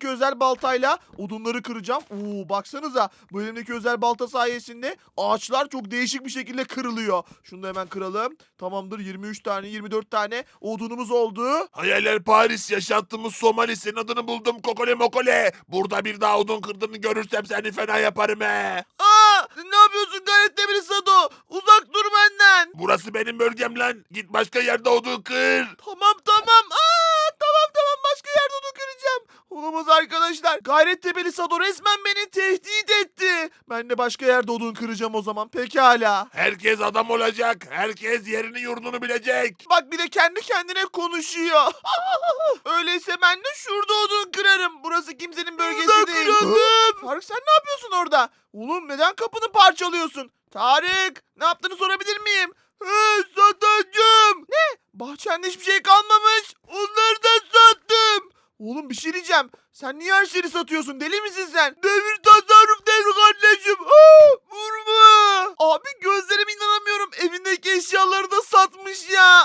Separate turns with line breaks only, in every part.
elimdeki özel baltayla odunları kıracağım. Oo, baksanıza bu elimdeki özel balta sayesinde ağaçlar çok değişik bir şekilde kırılıyor. Şunu da hemen kıralım. Tamamdır, 23 tane 24 tane odunumuz oldu.
Hayaller Paris, yaşattığımız Somali, senin adını buldum Kokole Mokole. Burada bir daha odun kırdığını görürsem seni fena yaparım he.
Aa, ne yapıyorsun gayret demiri Sado? Uzak dur benden.
Burası benim bölgem lan. Git başka yerde odun kır.
Tamam. Tamam, başka yerde onu kıracağım. Olamaz arkadaşlar. Gayrettepe'li Sado resmen beni tehdit etti. Ben de başka yerde odun kıracağım o zaman. Pekala.
Herkes adam olacak. Herkes yerini yurdunu bilecek.
Bak bir de kendi kendine konuşuyor. Öyleyse ben de şurada odun kırarım. Burası kimsenin bölgesi değil. Tarık sen ne yapıyorsun orada? Oğlum neden kapını parçalıyorsun? Tarık ne yaptığını sorabilir miyim? Satacağım. Ne? Bahçende hiçbir şey kalmamış. Onları da sattım. Oğlum bir şey diyeceğim. Sen niye her şeyi satıyorsun? Deli misin sen? Devir tasarruf devri kardeşim. Vurma. Abi gözlerime inanamıyorum. Evindeki eşyaları da satmış ya.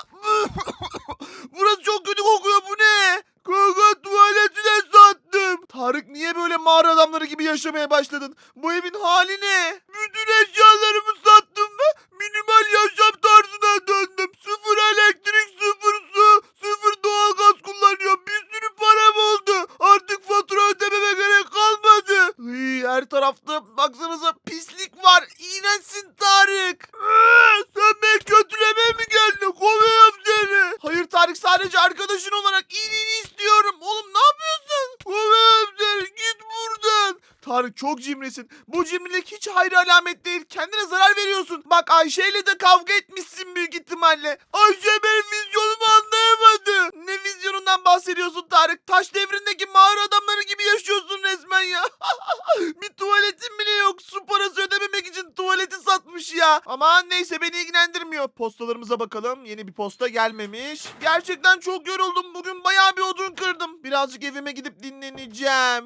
Burası çok kötü kokuyor. Bu ne? Kaka tuvaleti de sattım. Tarık niye böyle mağara adamları gibi yaşamaya başladın? Bu evin hali ne? Bütün eşyalarımı sattım ve minimal yaşam tarzına döndüm. Sıfır elektrik, sıfır su, sıfır doğalgaz kullanıyorum. Bir sürü param oldu. Artık fatura ödememe gerek kalmadı. Her tarafta baksanıza pislik var. İğrençsin Tarık. Sen beni kötülemeye mi geldin? Kovuyorum seni. Hayır Tarık, sadece arkadaşın olarak iyiliğini istiyorum. Oğlum ne yapıyorsun? Kovuyorum seni. Git buradan. Tarık çok cimrisin. Bu cimrilik hiç hayra alamet değil. Kendine zarar veriyorsun. Bak Ayşe ile de kavga etmişsin büyük ihtimalle. Ayşe benim vizyonumu anlayamadı. Ne vizyonundan bahsediyorsun Tarık? Taş devrindeki mağara adamları gibi yaşıyorsun resmen ya. Bir tuvaletin bile yok. Su parası ödememek için tuvaleti satmış ya. Aman neyse, beni ilgilendirmiyor. Postalarımıza bakalım. Yeni bir posta gelmemiş. Gerçekten çok yoruldum. Bugün bayağı bir odun kırdım. Birazcık evime gidip dinleneceğim.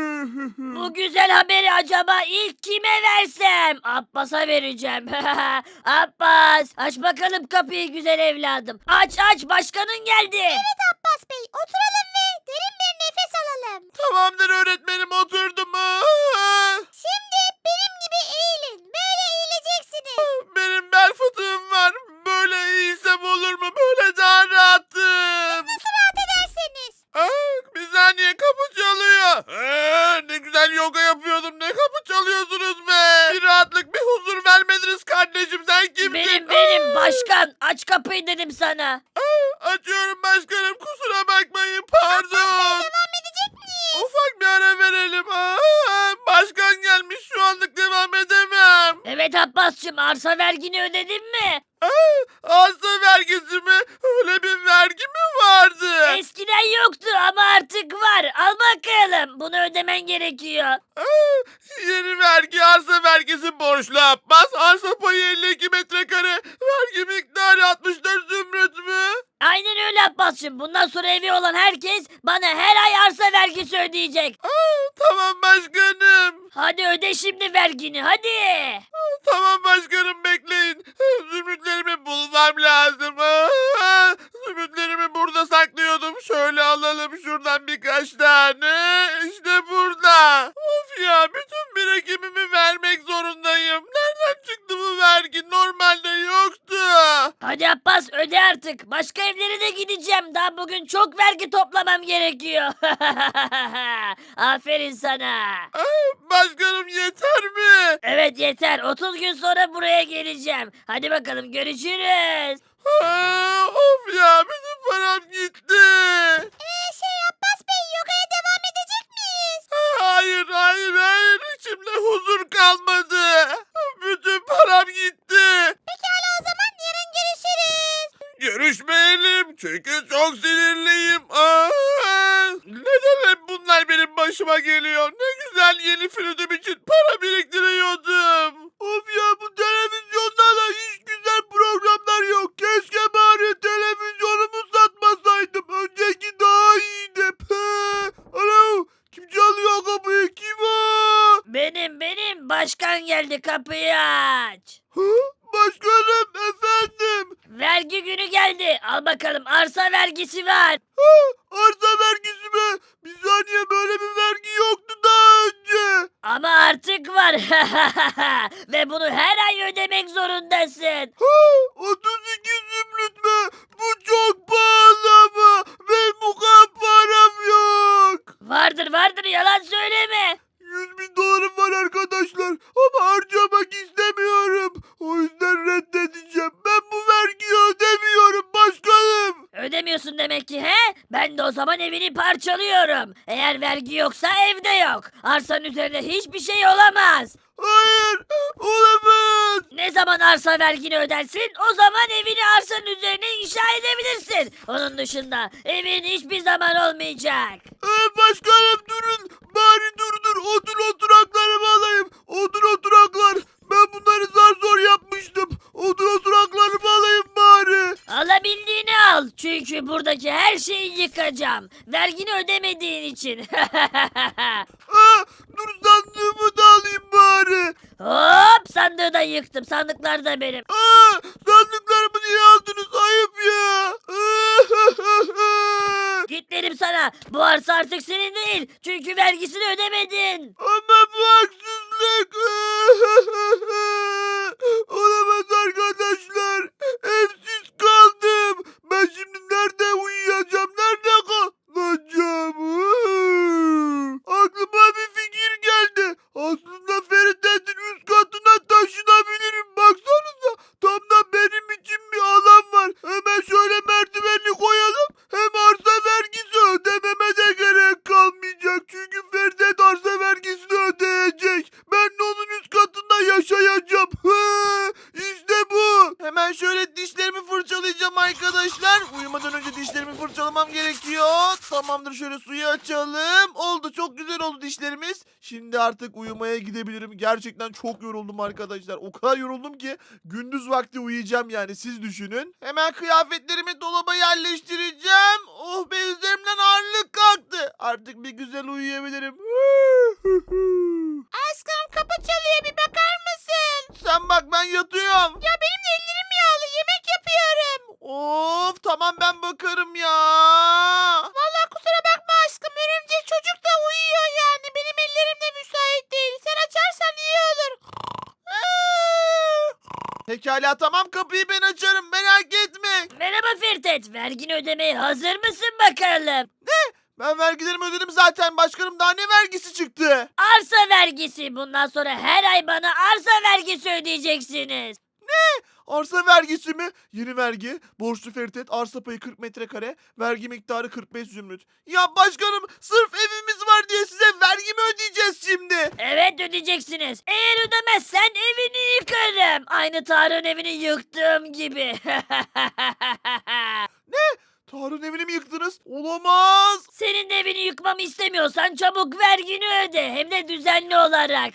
Bu güzel haberi acaba ilk kime versem? Abbas'a vereceğim. Abbas, aç bakalım kapıyı güzel evladım. Aç, başkanın geldi.
Abbas Bey, oturalım ve derin bir nefes alalım.
Tamamdır öğretmenim, oturdum.
Şimdi benim gibi eğilin. Böyle eğileceksiniz.
Benim bel fıtığım var. Böyle iyiysem olur mu? Böyle daha rahatım.
Nasıl rahat ederseniz.
Bir saniye, kapı çalıyor. Ne güzel yoga yapıyordum. Ne kapı çalıyorsunuz be? Bir rahatlık, bir huzur vermediniz kardeşim. Sen kimsin?
Benim başkan. Aç kapıyı dedim sana.
Açıyorum başkanım. Kusura bakmayın. Pardon.
Devam edecek miyiz?
Ufak bir ara verelim. Başkan gelmiş. Şu anlık devam edemem.
Evet Abbas'cığım, arsa vergini ödedin mi?
Arsa vergisi mi? Öyle bir vergi mi vardı?
Eskiden yoktu ama artık var. Al bakalım. Bunu ödemen gerekiyor.
Yeni vergi, arsa vergisi borçlu Abbas. Arsa payı 52 metrekare. Vergi miktarı 64 zümrüt mü?
Aynen öyle Abbas'cığım. Bundan sonra evi olan herkes bana her ay arsa vergisi ödeyecek.
Tamam başkanım.
Hadi öde şimdi vergini hadi.
Tamam başkanım, bekleyin. Zümrütlerimi bulmam lazım. Zümrütlerimi burada saklıyordum. Şöyle alalım şuradan birkaç tane. İşte burada. Of ya, bütün birikimimi vermek zorundayım. Nereden çıktı bu vergi? Normalde yoktu.
Hadi Abbas öde artık. Başka evlere de gideceğim. Daha bugün çok vergi toplamam gerekiyor. Aferin sana.
Başkanım yeter mi?
Evet yeter. 30 gün sonra buraya geleceğim. Hadi bakalım görüşürüz.
Of ya, bütün param gitti.
Abbas Bey, yogaya devam edecek miyiz?
Hayır. İçimde huzur kalmadı. Bütün param gitti.
Pekala, o zaman yarın görüşürüz.
Görüşmeyelim çünkü çok sinirliyim. Neden hep bunlar benim başıma geliyor? Ne güzel yeni flütüm için para biriktiriyordum. Of ya, bu televizyonda da hiç güzel programlar yok. Keşke bari televizyonumu satmasaydım. Önceki daha iyiydi. Alo, kim çalıyor kapıyı? Kim o?
Benim başkan geldi kapıyı aç.
Hı? Başkanım efendim.
Vergi günü geldi. Al bakalım arsa vergisi var.
Arsa vergisi mi? Bir saniye, böyle bir vergi yoktu daha önce.
Ama artık var. Ve bunu her ay ödemek zorundasın.
32 zümrüt mü? Bu çok pahalı ama benim bu kadar param yok.
Vardır yalan söyleme.
100.000 dolarım var arkadaşlar ama harcamak istemiyorum. O yüzden reddedeceğim. Ben bu vergiyi ödemiyorum başkanım.
Ödemiyorsun demek ki he? Ben de o zaman evini parçalıyorum. Eğer vergi yoksa evde yok. Arsanın üzerinde hiçbir şey olamaz.
Hayır, olamaz.
Ne zaman arsa vergini ödersin o zaman evini arsanın üzerine inşa edebilirsin. Onun dışında evin hiçbir zaman olmayacak.
Başkanım durun. Bari dur. Odun oturaklarımı alayım. Odun oturaklar. Ben bunları zar zor yapmıştım. Odun oturaklarımı alayım bari.
Alabildiğini al. Çünkü buradaki her şeyi yıkacağım. Vergini ödemediğin için.
Dur, sandığımı da alayım bari.
Hop sandığı da yıktım. Sandıklar da benim.
Sandıklarımı niye aldınız? Ayıp ya.
Git derim sana. Bu arsa artık senin değil. Çünkü vergisini ödemedin.
Ama bu haksızlık. Olamaz arkadaşlar. Evsiz kaldım. Ben şimdi nerede uyuyacağım? Nerede kalacağım? Aklıma bir fikir geldi. Aslında Ferit'in üst katına taşınabilirim. Baksanıza. Tam da benim için bir alan var. Hemen şöyle merdivenli koyalım. Hem arsa vergisi ödememe de gerek kalmayacak. Çünkü Ferit arsa vergisini ödeyecek. Ben de onun üst katında yaşayacağım. İşte bu. Hemen şöyle dişlerimi fırçalayacağım arkadaşlar. Uyumadan önce dişlerimi fırçalamam gerekiyor. Tamamdır, şöyle suyu açalım. Oldu, çok güzel oldu dişlerimiz. Şimdi artık uyumaya gidebilirim. Gerçekten çok yoruldum arkadaşlar. O kadar yoruldum ki gündüz vakti uyuyacağım yani, siz düşünün. Hemen kıyafetlerimi dolaba yerleştireceğim. Oh be, üzerimden ağırlık kalktı. Artık bir güzel uyuyabilirim.
Aşkım kapı çalıyor, bir bakar mısın?
Sen bak, ben yatıyorum.
Ya benim de ellerim yağlı, yemek yapıyorum.
Of tamam, ben bakarım ya.
Vallahi kusura bakma aşkım, örümcek çocuk da uyuyor yani. Benim ellerim de müsait değil. Sen açarsan iyi olur.
Pekala tamam, kapıyı ben açarım, merak etme.
Merhaba Firtet. Vergini ödemeye hazır mısın bakalım?
Ben vergilerimi ödedim zaten başkanım, daha ne vergisi çıktı?
Arsa vergisi. Bundan sonra her ay bana arsa vergisi ödeyeceksiniz.
Arsa vergisi mi? Yeni vergi. Borçlu Feritet, arsa payı 40 metrekare, vergi miktarı 45 zümrüt. Ya başkanım, sırf evimiz var diye size vergi mi ödeyeceğiz şimdi?
Evet ödeyeceksiniz. Eğer ödemezsen evini yıkarım. Aynı Tarık'ın evini yıktığım gibi.
Tarık'ın evini mi yıktınız? Olamaz.
Senin de evini yıkmamı istemiyorsan çabuk vergini öde. Hem de düzenli olarak.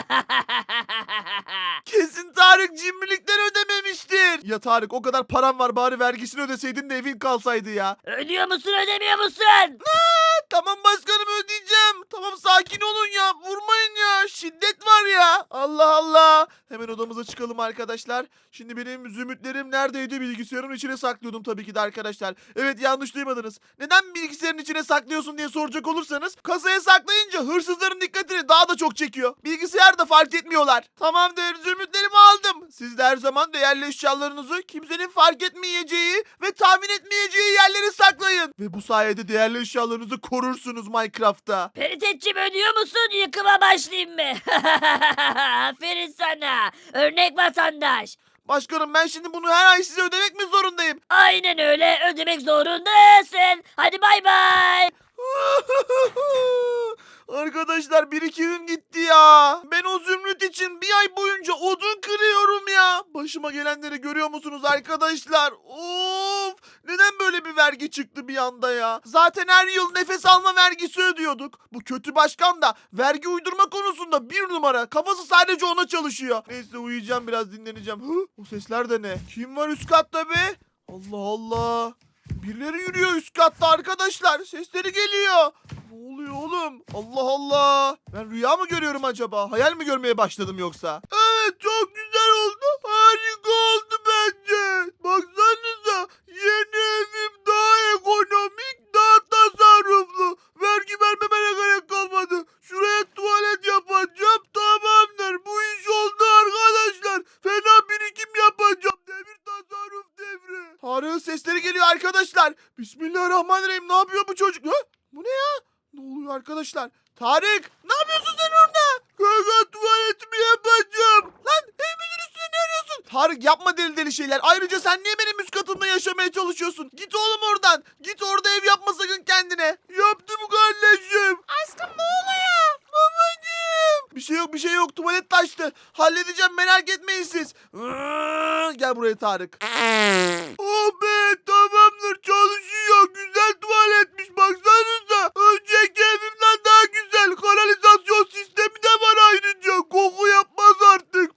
Kesin Tarık cimrilikten ödememiştir. Ya Tarık, o kadar param var, bari vergisini ödeseydin de evin kalsaydı ya.
Ödüyor musun ödemiyor musun?
Tamam başkanım, ödeyeceğim. Tamam, sakin olun ya. Vurmayın ya. Şiddet var ya. Allah Allah. Hemen odamıza çıkalım arkadaşlar. Şimdi benim zümrütlerim neredeydi? Bilgisayarın içine saklıyordum tabii ki de arkadaşlar. Evet, yanlış duymadınız. Neden bilgisayarın içine saklıyorsun diye soracak olursanız, kasaya saklayınca hırsızların dikkatini daha da çok çekiyor. Bilgisayarda fark etmiyorlar. Tamamdır, zümrütlerimi aldım. Siz de her zaman değerli eşyalarınızı kimsenin fark etmeyeceği ve tahmin etmeyeceği yerlere saklayın. Ve bu sayede değerli eşyalarınızı korursunuz Minecraft'ta.
Peritetçim ödüyor musun? Yıkıma başlayayım mı? Aferin sana. Örnek vatandaş.
Başkanım, ben şimdi bunu her ay size ödemek mi zorundayım?
Aynen öyle ödemek zorundasın. Hadi bay bay.
Arkadaşlar, birikimim gitti ya. Ben o zümrüt için bir ay boyunca odun kırıyorum ya. Başıma gelenleri görüyor musunuz arkadaşlar? Of! Neden böyle bir vergi çıktı bir anda ya? Zaten her yıl nefes alma vergisi ödüyorduk. Bu kötü başkan da vergi uydurma konusunda bir numara. Kafası sadece ona çalışıyor. Neyse, uyuyacağım, biraz dinleneceğim. O sesler de ne? Kim var üst katta be? Allah Allah. Birileri yürüyor üst katta arkadaşlar. Sesleri geliyor. Ne oluyor oğlum? Allah Allah. Ben rüya mı görüyorum acaba? Hayal mi görmeye başladım yoksa? Evet, çok güzel oldu. Harika Tarık'ın sesleri geliyor arkadaşlar. Bismillahirrahmanirrahim. Ne yapıyor bu çocuk? Ha? Bu ne ya? Ne oluyor arkadaşlar? Tarık, ne yapıyorsun sen orada? Kanka tuvaletimi yapacağım. Lan evimizin üstüne ne arıyorsun? Tarık yapma deli deli şeyler. Ayrıca sen niye benim üst katımda yaşamaya çalışıyorsun? Git oğlum oradan. Git orada ev yapma sakın kendine. Yaptım kardeşim.
Aşkım ne oluyor?
Babacığım. Bir şey yok. Tuvalet taştı. Halledeceğim, merak etmeyin siz. Gel buraya Tarık. Oh be, tamamdır, çalışıyor. Güzel tuvaletmiş, baksanıza. Önceki evimden daha güzel. Kanalizasyon sistemi de var ayrıca. Koku yapmaz artık.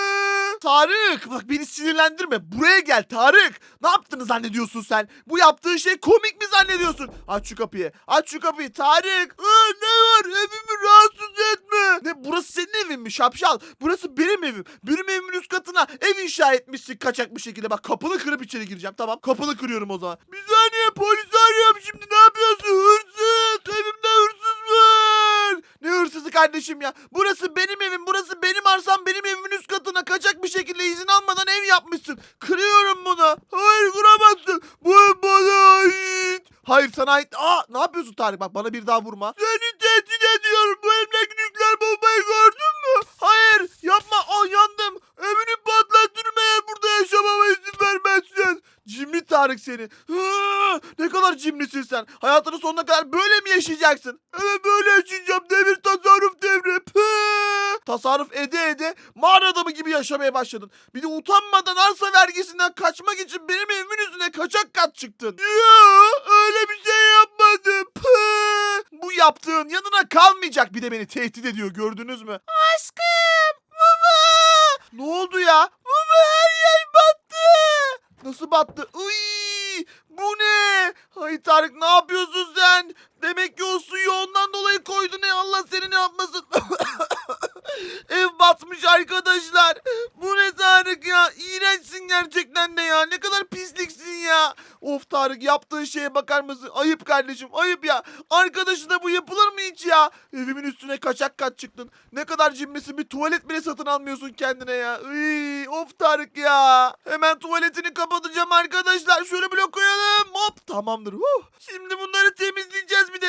Tarık, bak beni sinirlendirme. Buraya gel Tarık. Ne yaptığını zannediyorsun sen? Bu yaptığın şey komik mi zannediyorsun? Aç şu kapıyı. Aç şu kapıyı Tarık. Ne var? Evimi rahatsız etme. Ne, burası senin evin mi şapşal? Burası benim evim. Benim evimin üst katına ev inşa etmişsin kaçak bir şekilde. Bak, kapını kırıp içeri gireceğim. Tamam, kapını kırıyorum o zaman. Bir saniye, polisi arıyorum şimdi. Ne yapıyorsun? Hırsız. Evimde hırsız var. Ne hırsızı kardeşim ya? Burası benim evim. Burası benim arsam. Benim evimin üst katına kaçak bir şekilde izin almadan ev yapmışsın. Kırıyorum bunu. Hayır, kıramazsın. Bu ev bana ait. Hayır, sana ait. Ne yapıyorsun Tarık? Bak, bana bir daha vurma. Seni tehdit ediyorum. Bu evdeki nükleer bombayı gördün mü? Hayır, yapma. Yandım. Evini patlatırım eğer burada yaşamama izin vermezsen. Cimri Tarık seni. Ne kadar cimrisin sen. Hayatının sonuna kadar böyle mi yaşayacaksın? Evet, böyle yaşayacağım. Devir tasarruf devri. Tasarruf ede ede mağara adamı gibi yaşamaya başladın. Bir de utanmadan arsa vergisinden kaçmak için benim evimin yüzüne kaçak kat çıktın. Ya öyle bir şey yapmadım. Bu yaptığın yanına kalmayacak. Bir de beni tehdit ediyor, gördünüz mü?
Aşkım.
Baba! Ne oldu ya? Baba, her yer battı. Nasıl battı? Uy! Bu ne? Hay Tarık, ne yapıyorsun sen? Demek ki o suyu ondan dolayı koydun. Allah seni ne yapmasın? Ev batmış arkadaşlar. Bu ne Tarık ya? İğrençsin gerçekten de ya. Ne kadar pisliksin ya. Of Tarık, yaptığın şeye bakar mısın? Ayıp kardeşim, ayıp ya. Arkadaşına bu yapılır mı hiç ya? Evimin üstüne kaçak kat çıktın. Ne kadar cimrisin, bir tuvalet bile satın almıyorsun kendine ya. Of Tarık ya. Hemen tuvaletini kapatacağım arkadaşlar. Şöyle blok koyalım. Hop, tamamdır. Şimdi bunları temizleyeceğiz bir de.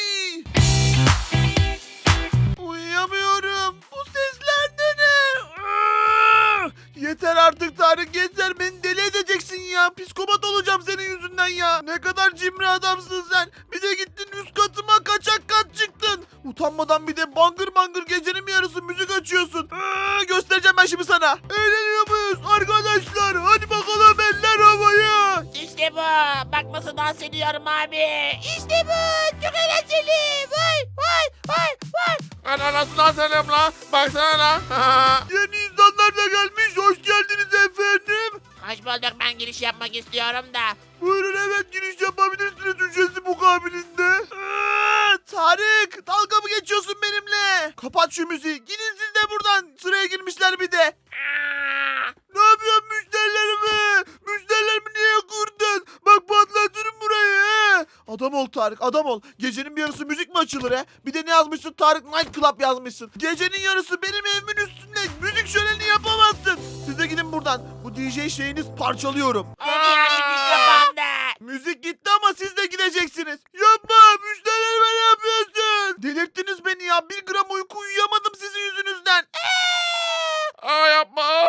Uyuyamıyorum. Bu sesler de ne? Yeter artık Tarık, yeter. Beni deli edeceksin ya. Psikopat olacağım senin yüzünden ya. Ne kadar cimri adamsın sen. Bir de gittin üst katıma kaçak kat çıktın. Utanmadan bir de bangır bangır gecenin bir yarısı müzik açıyorsun. Göstereceğim ben şimdi sana. Eğleniyor muyuz arkadaşlar? Hadi bakalım, eller havaya.
İşte bu. Bak nasıl dans ediyorum abi. İşte bu. Çok eğlenceli. Vay vay vay vay.
Ana nasıl dans ediyorum lan? Baksana lan.
Yeni insanlar da gelmiş. Hoş geldiniz efendim.
Hoş bulduk, ben giriş yapmak istiyorum da.
Buyurun, evet, giriş yapabilirsiniz ücretsiz mukabilinde. Tarık, dalga mı geçiyorsun benimle? Kapat şu müziği. Gidin siz de buradan. Sıraya girmişler bir de. Ne yapıyorsun müşterilerime? Müşterilerimi niye kırdın? Bak, patlatırım burayı. He. Adam ol Tarık, adam ol. Gecenin bir yarısı müzik mi açılır he? Bir de ne yazmışsın? Tarık Night Club yazmışsın. Gecenin yarısı benim evimin üstünde müzik şöleni yapamazsın. Siz de gidin buradan. Bu DJ şeyiniz parçalıyorum.
Ne diyor müzik kapandı.
Müzik gitti ama siz de gideceksiniz. Yapma, müşterilerime ne yapıyorsun? Delirttiniz beni ya. Bir gram uyku uyuyamadım sizin yüzünüzden.
Yapma.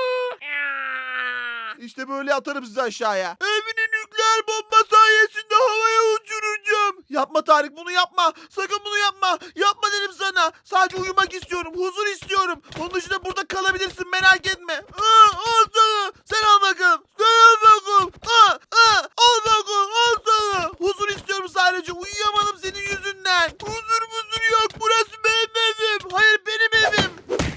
İşte böyle atarım sizi aşağıya. Evini nükleer bomba sayesinde havaya uçuracağım. Yapma Tarık, bunu yapma. Sakın bunu yapma. Yapma dedim sana. Sadece uyumak istiyorum. Huzur istiyorum. Onun dışında burada kalabilirsin, merak etme. Al sana. Sen al bakalım. Sen al bakalım. Al bakalım. Al sana. Huzur istiyorum sadece. Uyuyamadım senin yüzünden. Huzur yok. Burası benim evim. Hayır, benim evim.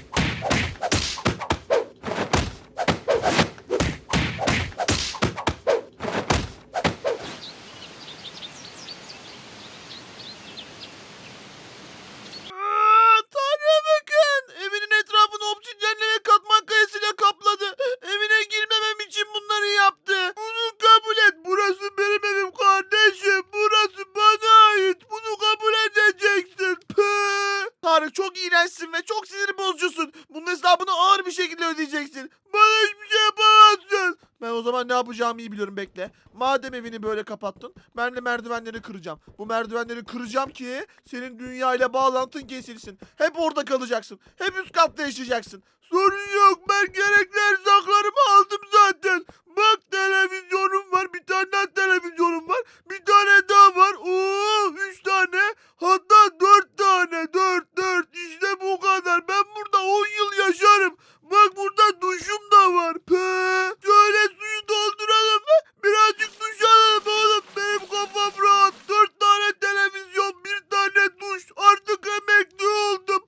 Tanrı'ya bakın. Evinin etrafını obsidyenle ve katman kayasıyla kapladı. Evine girmemem için bunları yaptı. Bunu kabul et. Burası benim evim kardeşim. Burası bana ait. Bunu kabul edeceksin. Tarık, çok iğrençsin ve çok sinir bozucusun. Bunun hesabını ağır bir şekilde ödeyeceksin. Bana hiçbir şey yapamazsın. Ben o zaman ne yapacağımı iyi biliyorum, bekle. Madem evini böyle kapattın, ben de merdivenleri kıracağım. Bu merdivenleri kıracağım ki senin dünyayla bağlantın kesilsin. Hep orada kalacaksın. Hep üst katta yaşayacaksın. Sorun yok, ben gerekli erzaklarımı aldım zaten. Bak, televizyonum var, bir tane daha televizyonum var. Bir tane daha var. Oo, 3 tane. Hatta 4 tane. 4 işte bu kadar. Ben burada 10 yıl yaşarım. Bak, burada duşum da var. Şöyle suyu dolduralım mı? Birazcık duş alalım oğlum. Benim kafam rahat. 4 tane televizyon, bir tane duş. Artık emekli oldum.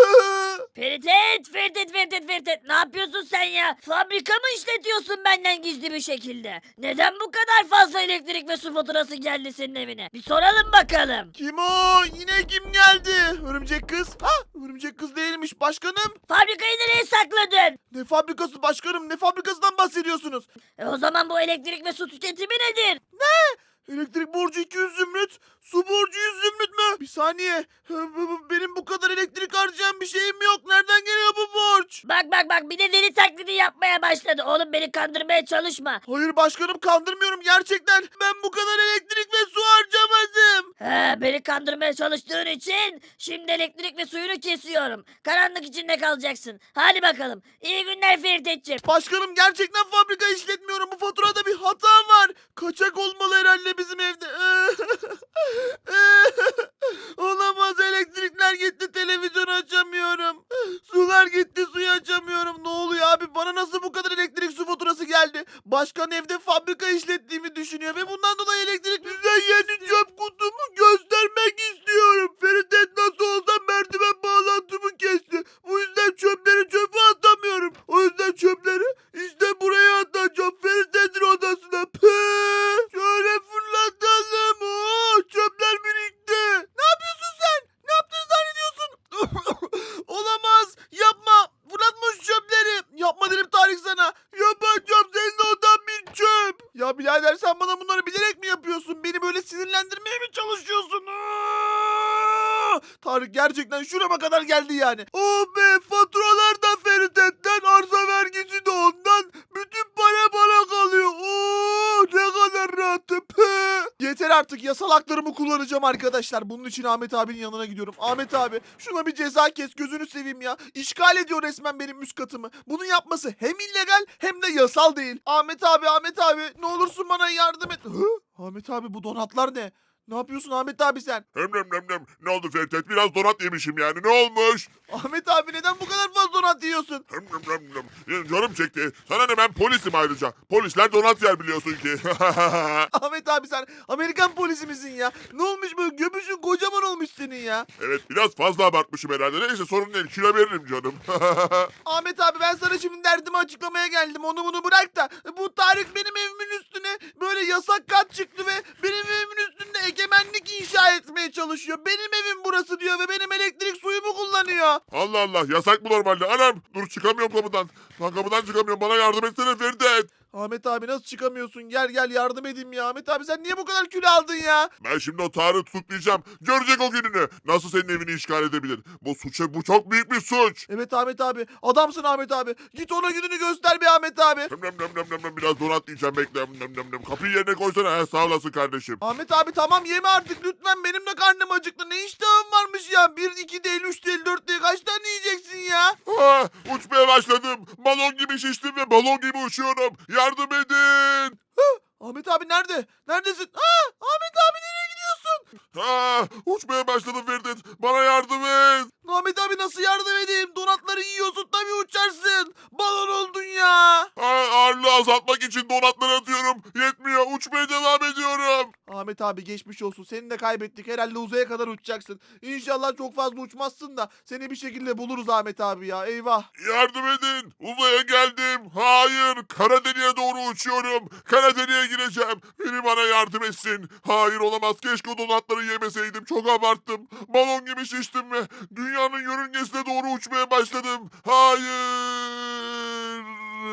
Ferit, ne yapıyorsun sen ya? Fabrika mı işletiyorsun benden gizli bir şekilde? Neden bu kadar fazla elektrik ve su faturası geldi senin evine? Bir soralım bakalım.
Kim o? Yine kim geldi? Örümcek kız. Ha, örümcek kız değilmiş başkanım.
Fabrikayı nereye sakladın?
Ne fabrikası başkanım? Ne fabrikasından bahsediyorsunuz?
O zaman bu elektrik ve su tüketimi nedir?
Elektrik borcu 200 zümrüt, su borcu 100 zümrüt mü? Bir saniye. Benim bu kadar elektrik harcayan bir şeyim yok. Nereden geliyor bu borç?
Bak bir de deli taklidi yapmaya başladı. Oğlum beni kandırmaya çalışma.
Hayır başkanım, kandırmıyorum gerçekten. Ben bu kadar elektrik ve su harcamadım.
Beni kandırmaya çalıştığın için şimdi elektrik ve suyunu kesiyorum. Karanlık içinde kalacaksın. Hadi bakalım. İyi günler Ferit'ciğim.
Başkanım, gerçekten fabrika işletmiyorum. Bu faturada bir hata var. Kaçak olmalı herhalde bizim evde. Olamaz, elektrikler gitti, televizyon açamıyorum. Sular gitti, suyu açamıyorum. Ne oluyor abi? Bana nasıl bu kadar elektrik su faturası geldi? Başkan evde fabrika işlettiğimi düşünüyor ve bundan dolayı elektrik... Size yeni çöp kutumu göstermek istiyorum. Ferit nasıl olsa merdiven bağlantımı kesti. Bu yüzden çöpleri çöpe atamıyorum. O yüzden çöpleri işte buraya atacağım. Ferit'in odasına. Şöyle fırlatalım. Oo, çöpler birikti. Ne yapıyorsun sen? Ne yaptığını zannediyorsun? Olamaz. Yapma. Fırlatma şu çöpleri. Yapma dedim Tarık sana. Yapacağım. Senin odan bir çöp. Ya birader, sen bana bunları bilerek mi yapıyorsun? Beni böyle sinirlendirmeye mi çalışıyorsun? Tarık gerçekten şurama kadar geldi yani. Oh be, faturalar da Ferit'ten, arsa vergisi de ondan. Bütün para bana kalıyor. Oo, ne kadar rahatım. Yeter artık, yasal haklarımı kullanacağım arkadaşlar. Bunun için Ahmet abinin yanına gidiyorum. Ahmet abi, şuna bir ceza kes, gözünü seveyim ya. İşgal ediyor resmen benim üst katımı. Bunu yapması hem illegal hem de yasal değil. Ahmet abi ne olursun bana yardım et. Ahmet abi, bu donatlar ne? Ne yapıyorsun Ahmet abi sen?
Hem. Ne oldu Ferdet? Biraz donat yemişim yani. Ne olmuş?
Ahmet abi, neden bu kadar fazla donat yiyorsun?
Ya canım çekti. Sana ne, ben polisim ayrıca. Polisler donat yer biliyorsun ki.
Ahmet abi, sen Amerikan polisi misin ya? Ne olmuş böyle, göbüşün kocaman olmuş senin ya.
Evet, biraz fazla abartmışım herhalde. Neyse, sorun değil. Kilo veririm canım.
Ahmet abi, ben sana şimdi derdimi açıklamaya geldim. Onu bunu bırak da. Bu Tarık benim evimin üstüne böyle yasak kat çıktı ve benim evimin üstünde egemenlik inşa etmeye çalışıyor. Benim evim burası diyor ve benim elektrik suyumu kullanıyor.
Allah Allah, yasak mı normalde? Anam, dur çıkamıyorum kapıdan. Lan kapıdan çıkamıyorum. Bana yardım etsene Ferdet.
Ahmet abi, nasıl çıkamıyorsun? Gel yardım edeyim ya. Ahmet abi, sen niye bu kadar kilo aldın ya?
Ben şimdi o Tarık'ı tutuklayacağım. Görecek o gününü. Nasıl senin evini işgal edebilir? Bu çok büyük bir suç.
Evet Ahmet abi. Adamsın Ahmet abi. Git ona gününü göster bir Ahmet abi.
Biraz donat yiyeceğim, bekle. Kapıyı yerine koysana. He, sağ olasın kardeşim.
Ahmet abi, tamam yeme artık lütfen. Benim de karnım acıktı. Ne iştahım varmış ya. 1, 2 değil, 3 değil, 4 değil. Kaç tane yiyeceksin ya?
Uçmaya başladım. Balon gibi şiştim ve balon gibi uçuyorum. Yardım edin.
Ahmet abi nerede? Neredesin? Ahmet abi, nereye gidiyorsun?
Uçmaya başladım Ferdet. Bana yardım et.
Ahmet abi, nasıl yardım edeyim? Donatları yiyorsun, tabii uçarsın. Balon oldun ya.
Ağırlığı azaltmak için donatları atıyorum. Yetmiyor. Uçmaya devam ediyorum.
Ahmet abi, geçmiş olsun. Seni de kaybettik. Herhalde uzaya kadar uçacaksın. İnşallah çok fazla uçmazsın da seni bir şekilde buluruz Ahmet abi ya. Eyvah.
Yardım edin. Uzaya geldim. Hayır. Kara deliğe doğru uçuyorum. Kara deliğe gireceğim. Biri bana yardım etsin. Hayır, olamaz. Keşke o donatları yemeseydim. Çok abarttım. Balon gibi şiştim ve dünyanın yörüngesine doğru uçmaya başladım. Hayır.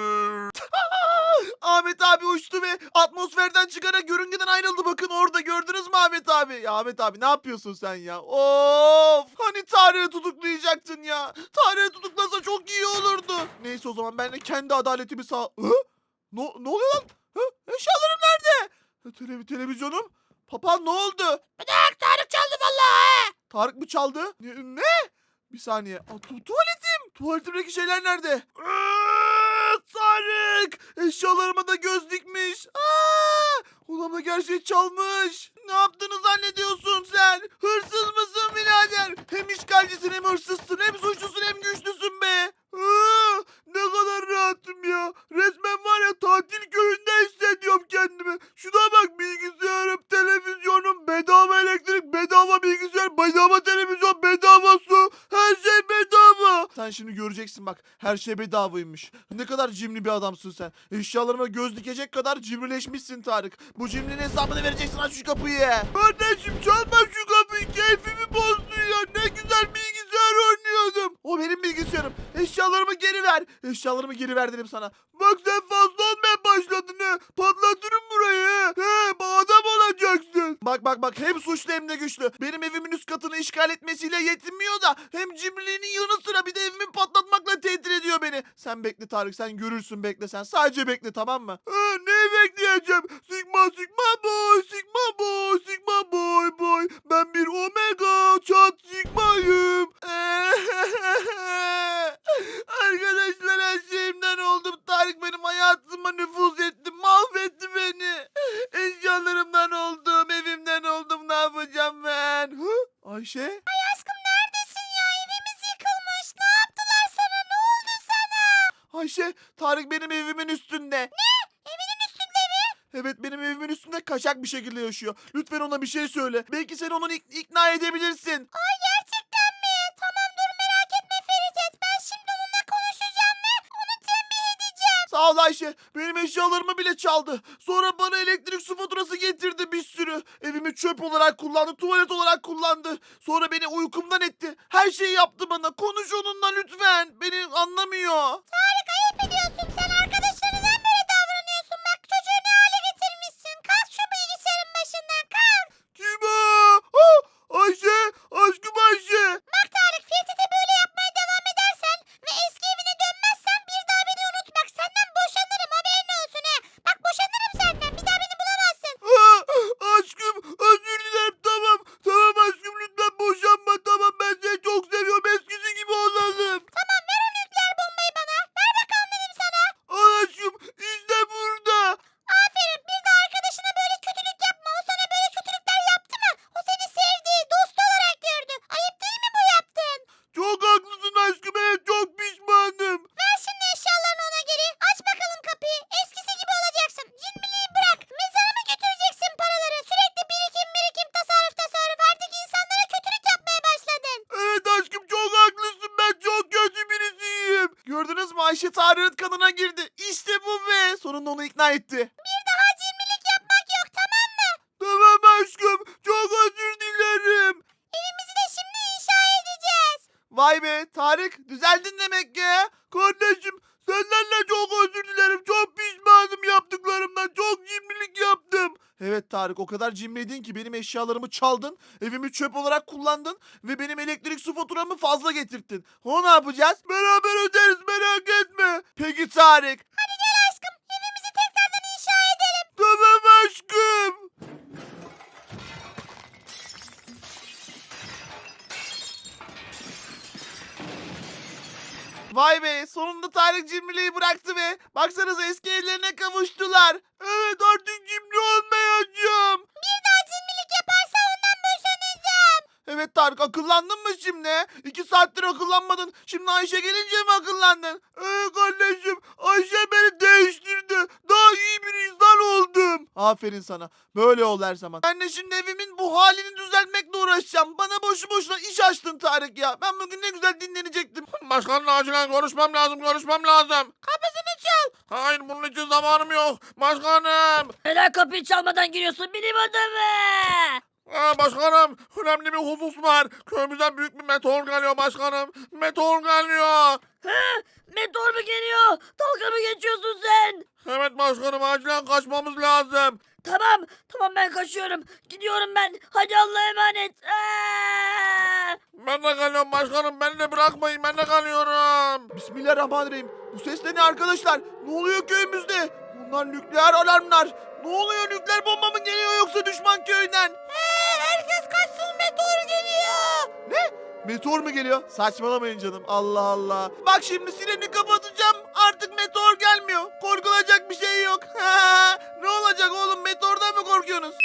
Ahmet abi uçtu ve atmosferden çıkarak yörüngeden ayrıldı. Bakın orada, gördünüz mü Ahmet abi? Ya Ahmet abi, ne yapıyorsun sen ya? Of! Hani Tarık'ı tutuklayacaktın ya? Tarık'ı tutuklasa çok iyi olurdu. Neyse, o zaman ben de kendi adaletimi Ne oluyor lan? Ha? Eşyalarım nerede? Televizyonum. Papağan ne oldu?
Bırak Tarık çaldı vallahi.
Tarık mı çaldı? Ne? Bir saniye. Tuvaletim. Tuvaletimdeki şeyler nerede? Tarık. Eşyalarıma da göz dikmiş. Olamaz, her şey çalmış. Ne yaptığını zannediyorsun sen? Hırsız mısın birader? Hem işgalcisin hem hırsızsın. Hem suçlusun hem güçlüsün be. Ne kadar rahatım ya. Resmen var ya, tatil köyünde hissediyorum kendimi. Şuna bak, bilgisayarım, televizyonum, bedava elektrik, bedava bilgisayar, bedava televizyon, bedava su. Her şey bedava. Sen şimdi göreceksin bak. Her şey bedavaymış. Ne kadar cimri bir adamsın sen. Eşyalarıma göz dikecek kadar cimrileşmişsin Tarık. Bu cimrinin hesabını vereceksin, aç şu kapıyı. Kardeşim çalma şu kapıyı. Keyfimi bozdu ya. Ne güzel bilgisayar oynuyordum. O benim bilgisayarım. Eşyalarımı geri ver. Eşyalarımı geri ver dedim sana. Bak sen fazla olmaya başladın ha. Patlatırım burayı. Adam olacaksın. Bak hem suçlu hem de güçlü. Benim evimin üst katını işgal etmesiyle yetinmiyor da hem cimriliğinin yanı sıra bir de evimi patlatmakla tehdit ediyor beni. Sen bekle Tarık, sen görürsün, bekle sen. Sadece bekle, tamam mı? Neyi bekleyeceğim? Sigma boy, sigma boy, sigma boy. Ben bir omega çat sigmayım. Arkadaşlar, her şeyimden oldum. Tarık benim hayatıma nüfuz etti. Mahvetti beni. Eşyalarımdan oldum. Evimden oldum. Ne yapacağım ben? Ayşe?
Ay aşkım neredesin ya? Evimiz yıkılmış. Ne yaptılar sana? Ne oldu sana?
Ayşe, Tarık benim evimin üstünde.
Evinin üstünde mi?
Evet, benim evimin üstünde kaçak bir şekilde yaşıyor. Lütfen ona bir şey söyle. Belki sen onu ikna edebilirsin.
Ay gerçekten mi? Tamam dur merak etme Feridet. Ben şimdi onunla konuşacağım ve onu tembih edeceğim.
Sağ ol Ayşe. Benim eşyalarımı bile çaldı. Sonra bana elektrik su faturası getirdi bir sürü. Evimi çöp olarak kullandı. Tuvalet olarak kullandı. Sonra beni uykumdan etti. Her şeyi yaptı bana. Konuş onunla lütfen. Beni anlamıyor.
Tarık ayıp ediyorsun. Sen arkadaşlarına neden böyle davranıyorsun? Bak çocuğu ne hale getirmişsin. Kalk şu bilgisayarın başından kalk.
Kim o? Ayşe. Aşkım Ayşe.
Bak Tarık Ferit'e böyle yapmaya devam edersen ve eski evine dönmezsen bir daha beni unut. Bak senden boşanırım haberin olsun ha. Bak boşanırım senden. Bir daha beni bulamazsın.
Aşkım, özür dilerim, tamam. Tamam aşkım, lütfen boşanma, tamam. Ben seni çok seviyorum. Eskisi gibi olalım.
Tamam ver o nükleer bombayı bana. Ver bakalım dedim sana.
Al aşkım, işte burada.
Aferin bir de arkadaşına böyle kötülük yapma. O sana böyle kötülükler yaptı mı? O seni sevdi, dostu olarak gördü. Ayıp değil mi bu yaptın?
Çok haklısın aşkım, evet, çok pişmanım.
Ver şimdi eşyalarını ona geri. Aç bakalım kapıyı. Eskisi gibi olacaksın. Cimriliği bırak. Mezara mı götüreceksin paraları? Sürekli birikim, tasarruf. Artık insanlara kötülük yapmaya başladın.
Evet aşkım, çok haklısın, ben çok kötü birisiyim. Gördünüz mü, Ayşe Tarık'ın kanına girdi. İşte bu be. Sonunda onu ikna etti.
Bir daha cimrilik yapmak yok tamam mı?
Tamam aşkım, çok özür dilerim.
Evimizi de şimdi inşa edeceğiz.
Vay be Tarık, düzeldin demek ki. Kardeşim, senden de çok özür dilerim. Çok pişmanım yaptıklarımdan. Çok cimrilik yaptım. Evet Tarık, o kadar cimriydin ki benim eşyalarımı çaldın. Evimi çöp olarak kullandın. Ve benim elektrik su faturamı fazla getirttin. O ne yapacağız? Beraber öderiz, merak etme. Peki Tarık.
Hadi gel aşkım. Evimizi tekrardan inşa edelim.
Tamam aşkım. Vay be, sonunda Tarık cimriliği bıraktı be. Baksanıza, eski evlerine kavuştular. Evet, artık cimri olmayacağım.
Bir daha cimrilik yaparsa ondan boşanacağım.
Evet Tarık, akıllandın mı şimdi? 2 saattir akıllanmadın. Şimdi Ayşe gelince mi akıllandın? Kardeşim, Ayşe beni değiştirdi. Daha iyi bir insan oldum. Aferin sana. Böyle ol her zaman. Ben de şimdi evimin bu halini düzeltmekle uğraşacağım. Bana boşu boşuna iş açtın Tarık ya. Ben bugün ne güzel dinlenecektim.
Başkanla acilen konuşmam lazım.
Kapısını çal.
Hayır, bunun için zamanım yok. Başkanım.
Neden kapıyı çalmadan giriyorsun benim adamı?
Başkanım, önemli bir husus var. Köyümüzden büyük bir meteor geliyor başkanım. Meteor geliyor.
Meteor mu geliyor? Dalga mı geçiyorsun sen?
Evet başkanım, acilen kaçmamız lazım.
Tamam. Tamam ben kaçıyorum. Gidiyorum ben. Hadi Allah'a emanet.
Ben de kalıyorum başkanım. Beni de bırakmayın. Ben de kalıyorum. Bismillahirrahmanirrahim. Bu ses de ne arkadaşlar? Ne oluyor köyümüzde? Bunlar nükleer alarmlar. Ne oluyor? Nükleer bomba mı geliyor yoksa düşman köyünden? Herkes kaçsın, meteor geliyor. Ne? Meteor mu geliyor? Saçmalamayın canım. Allah Allah. Bak şimdi sireni kapatacağım. Artık meteor gelmiyor. Korkulacak bir şey yok. Ne olacak oğlum? Meteordan mı korkuyorsunuz?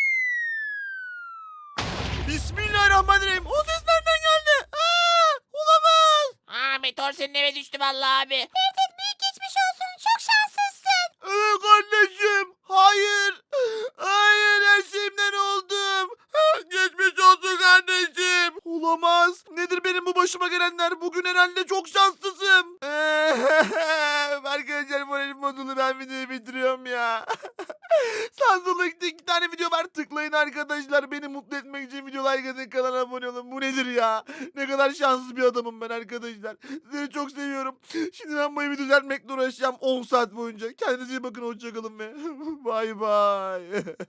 Bismillahirrahmanirrahim. O ses nereden geldi? Olamaz.
Meteor senin eve düştü vallahi abi.
Ferdet büyük geçmiş olsun. Çok şanslısın.
Evet kardeşim. Hayır. Hayır, her şeyimden oldum. Geçmiş olsun kardeşim. Olamaz. Nedir benim bu başıma gelenler? Bugün herhalde çok şanslısım. Arkadaşlar moralim bozuldu. Ben videoyu bitiriyorum ya. Samsung'da 2 tane video var. Tıklayın arkadaşlar. Beni mutlu etmek için video like atın. Kanala abone olun. Bu nedir ya? Ne kadar şanssız bir adamım ben arkadaşlar. Sizleri çok seviyorum. Şimdi ben bu evi düzeltmekle uğraşacağım 10 saat boyunca. Kendinize iyi bakın. Hoşçakalın ve bay bay.